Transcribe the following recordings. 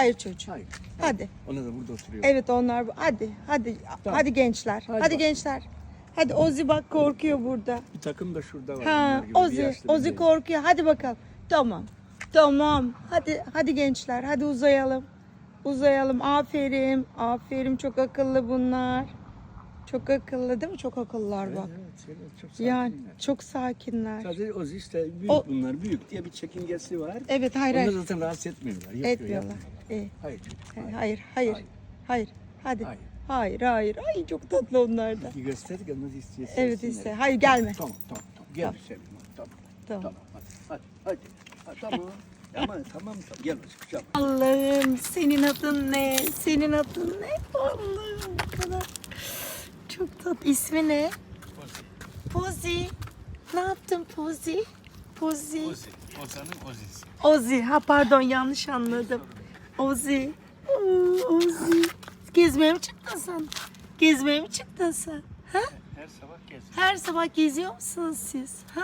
Hayır çocuğum. Hayır. Hadi. Onlar da burada oturuyor. Evet onlar. Hadi. Tamam. Hadi gençler. Hadi Hadi bak. gençler. Hadi Ozi bak korkuyor burada. Bir takım da şurada var. Ha, onlar gibi bir Ozi. yaşlı bir Ozi değil. korkuyor. Hadi bakalım. Tamam. Tamam. Hadi gençler. Hadi uzayalım. Uzayalım. Aferin. Aferin. Çok akıllı bunlar. Çok akıllı değil mi? Çok akıllılar bak. Evet, çok sakinler. Yani çok sakinler. Sadece Ozi işte büyük bunlar. Büyük diye bir çekingesi var. Evet hayır Onlar hayır. zaten rahatsız etmiyorlar. Yapıyor, Etmiyorlar. yapmıyor. İyi. Hayır çocuk. Hayır. Hayır. Hadi. Hayır. Hayır. Ay çok tatlı onlar da. Bir gösterdik ya nasıl istiyorsun. Evet iste. Hayır gelme. Tamam. Gel Tamam. sevgilim. Tamam. Tamam. Hadi. Tamam. Tamam. Gel hocam. Allah'ım senin adın ne? Senin adın ne? Allah'ım bu kadar. Çok tatlı. İsmi ne? Pozi. Ne yaptın Pozi? Pozi. Ozan'ın Ozi'si. Ozi. Ha pardon yanlış anladım. Ozi. Ozi. Gezmeye mi çıktın sen? Gezmeye mi çıktın sen? Ha? Her sabah geziyor. Her sabah geziyor musunuz siz? Ha?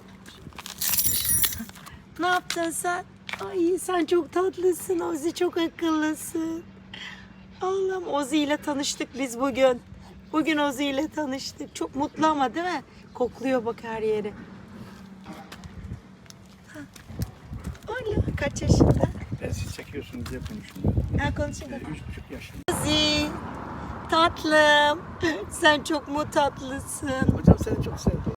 Ne yaptın sen? Ay sen çok tatlısın Ozi, çok akıllısın. Allah'ım Ozi ile tanıştık biz bugün. Bugün Ozi ile tanıştık. Çok mutlu ama değil mi? Kokluyor bak her yeri. Ha. Öyle kaç yaşında? Ben siz çekiyorsunuz diye konuşuyorum. Ha konuşalım. 3,5 yaşında. Ozi tatlım. Sen çok mu tatlısın? Hocam seni çok sevdim.